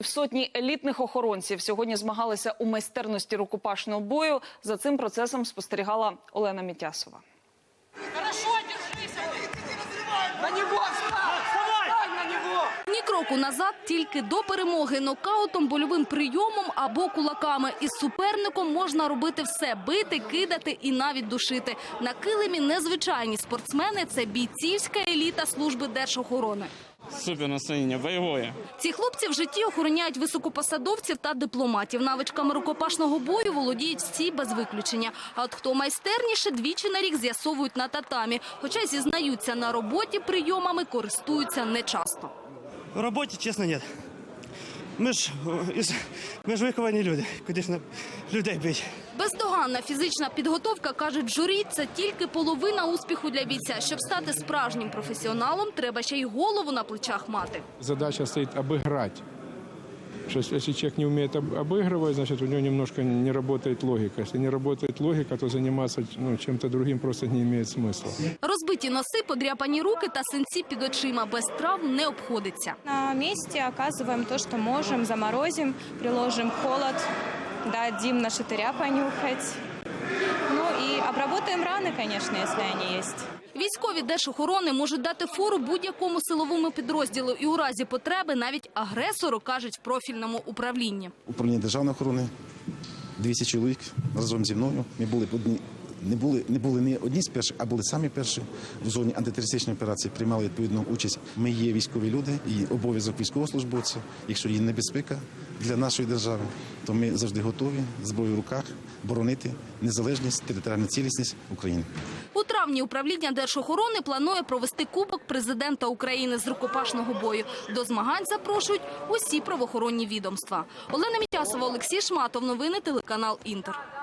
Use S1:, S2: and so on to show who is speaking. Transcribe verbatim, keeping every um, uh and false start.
S1: півсотні елітних охоронців сьогодні змагалися у майстерності рукопашного бою. За цим процесом спостерігала Олена Мітясова.
S2: Ні кроку назад, тільки до перемоги нокаутом, больовим прийомом або кулаками. Із суперником можна робити все – бити, кидати і навіть душити. На килимі незвичайні спортсмени – це бійцівська еліта служби держохорони.
S3: Супер настроєння, бойове.
S2: Ці хлопці в житті охороняють високопосадовців та дипломатів. Навичками рукопашного бою володіють всі без виключення. А от хто майстерніше, двічі на рік з'ясовують на татамі. Хоча зізнаються, на роботі прийомами користуються нечасто.
S4: В роботі, чесно, ні. Ми ж, ми ж виховані люди, куди ж нам людей бити.
S2: Бездоганна фізична підготовка, кажуть журі, це тільки половина успіху для бійця. Щоб стати справжнім професіоналом, треба ще й голову на плечах мати.
S5: Задача стоїть обіграти. Если человек не умеет обыгрывать, значит, у него немножко не работает логика. Если не работает логика, то заниматься ну, чем-то другим просто не имеет смысла.
S2: Розбиті носи, подряпані руки та синці під очима. Без травм не обходиться.
S6: На месте оказываем то, что можем, заморозим, приложим холод, дадим на шатыря понюхать. Ну и обработаем раны, конечно, если они есть.
S2: Військові держохорони можуть дати фору будь-якому силовому підрозділу і у разі потреби навіть агресору, кажуть в профільному управлінні.
S7: Управління державної охорони, двісті чоловік разом зі мною. Ми були одні, не були не були не одні з перших, а були самі перші в зоні антитерористичної операції, приймали відповідну участь. Ми є військові люди і обов'язок військовослужбовця, якщо є небезпека для нашої держави, то ми завжди готові, зброю в руках, боронити незалежність, територіальну цілісність України.
S2: У травні управління держохорони планує провести Кубок президента України з рукопашного бою. До змагань запрошують усі правоохоронні відомства. Олена Мітясова, Олексій Шматов. Новини телеканал «Інтер».